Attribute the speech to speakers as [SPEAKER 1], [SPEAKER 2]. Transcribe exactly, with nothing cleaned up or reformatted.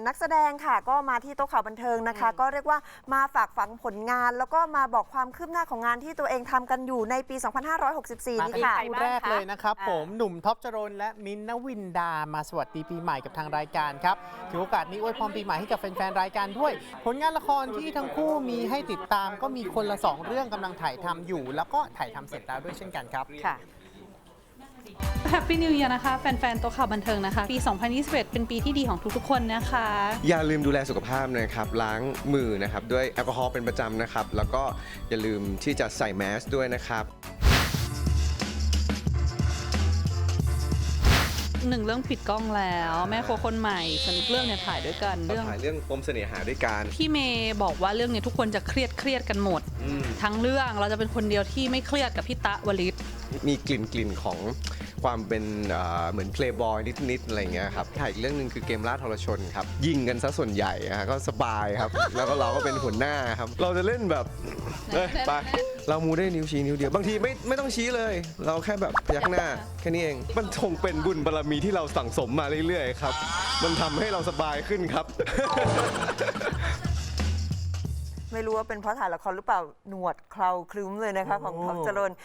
[SPEAKER 1] นักแสดงค่ะก็มาที่โต๊ะข่าวบันเทิงนะคะก็เรียกว่ามาฝากฝังผลงาน แล้วก็มาบอกความคืบหน้าของงานที่ตัวเองทำกันอยู่ในปี สองพันห้าร้อยหกสิบสี่ นี่ค่ะ
[SPEAKER 2] คู่แรกเลยนะครับผมหนุ่มท็อปจรนและมิ้นท์ณวินดามาสวัสดีปีใหม่กับทางรายการครับถือโอกาสนี้อวยพรปีใหม่ให้กับแฟนๆรายการด้วย ผลงานละครที่ทั้งคู่มีให้ติดตามก็มีคนละสองเรื่องกำลังถ่ายทำอยู่ แล้วก็ถ่ายทำเสร็จแล้วด้วยเช่นกันครับ
[SPEAKER 1] ค่ะ
[SPEAKER 3] แฮปปี้นิว e ย r นะคะแฟนๆโต๊ะข่าวบันเทิงนะคะปี สองพันยี่สิบเอ็ด เป็นปีที่ดีของทุกๆคนนะคะ
[SPEAKER 4] อย่าลืมดูแลสุขภาพนะครับล้างมือนะครับด้วยแอลกอฮอล์เป็นประจำนะครับแล้วก็อย่าลืมที่จะใส่แมสด้วยนะครับ
[SPEAKER 3] หนึ่งเรื่องปิดกล้องแล้วแม่โคคนใหม่ส่วนอีกเรื่องเนี่ยถ่ายด้วยกัน
[SPEAKER 4] เรา
[SPEAKER 3] เรื่อง
[SPEAKER 4] ถ่ายเรื่องปมเสน่หาด้วยกัน
[SPEAKER 3] พี่เมย์บอกว่าเรื่องเนี้ทุกคนจะเครียดเครียดกันหมด
[SPEAKER 4] อืม
[SPEAKER 3] ทั้งเรื่องเราจะเป็นคนเดียวที่ไม่เครียดกับพี่ตะวลิศ
[SPEAKER 4] มีกลิ่นกลิ่นของความเป็นเอ่อเหมือนเพลย์บอยนิดๆอะไรเงี้ยครับถ่ายอีกเรื่องหนึ่งคือเกมล่าทรชนครับยิงกันซะส่วนใหญ่อะก็สบายครับ แล้วก็เราก็เป็นหัวหน้าครับเราจะเล่นแบบเอ้ยไปเรามูได้นิ้วชี้นิ้วเดียวบางทีไม่ไม่ต้องชี้เลย เราแค่แบบพยักหน้าแค่นี้เองมันคงเป็นบุญบารมีที่เราสั่งสมมาเรื่อยๆครับมันทำให้เราสบายขึ้นครับ
[SPEAKER 1] ไม่รู้ว่าเป็นเพราะถ่ายละครหรือเปล่าหนวดเคราครึ้มเลยนะคะของท็อปจรน